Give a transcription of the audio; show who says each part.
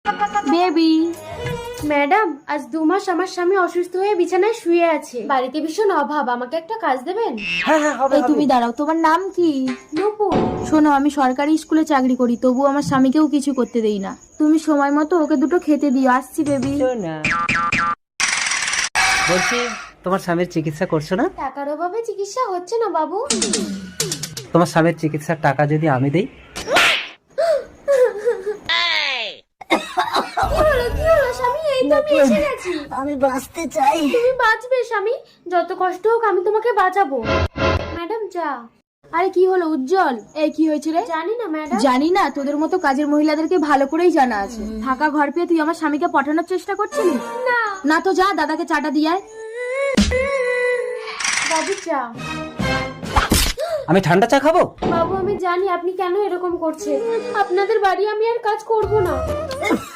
Speaker 1: Baby.
Speaker 2: Madam, আজ 2 মাস আমার স্বামী অসুস্থ হয়ে বিছানায় শুয়ে আছে। বাড়িতে ভীষণ অভাব, আমাকে একটা কাজ দেবেন?
Speaker 3: হ্যাঁ হ্যাঁ হবে
Speaker 1: এই তুমি দাঁড়াও, তোমার নাম কি?
Speaker 2: নূপুর।
Speaker 1: শোনো, আমি সরকারি স্কুলে চাকরি করি, তবু আমার স্বামীকেও কিছু করতে দেই না। তুমি সময় মতো ওকে দুটো খেতে দিও। আসছি বেবি।
Speaker 3: না। বলছি, তোমার স্বামীর চিকিৎসা করছো না?
Speaker 2: টাকার অভাবে চিকিৎসা হচ্ছে না বাবু।
Speaker 3: তোমার স্বামীর চিকিৎসার টাকা যদি আমি দেই?
Speaker 2: কি হলো স্বামী? এই তো আমি এসে গেছি।
Speaker 1: আমি বাঁচতে চাই।
Speaker 2: তুমি বাঁচবে স্বামী, যত কষ্ট হোক আমি তোমাকে বাঁচাবো। ম্যাডাম চা।
Speaker 1: আরে কি হলো উজ্জ্বল? এই কি হয়েছে রে?
Speaker 2: জানি না ম্যাডাম।
Speaker 1: জানি না? তোদের মতো কাজের মহিলাদেরকে ভালো করেই জানা আছে। ফাঁকা ঘর পেয়ে তুই আমার স্বামীকে পাঠানোর চেষ্টা করছিলি?
Speaker 2: না
Speaker 1: না তো যা, দাদাকে চাটা দিয়ে আয়।
Speaker 2: বাবু চা।
Speaker 3: আমি ঠান্ডা চা খাবো?
Speaker 2: বাবু আমি জানি আপনি কেন এরকম করছেন। আপনাদের বাড়ি আমি আর কাজ করব না।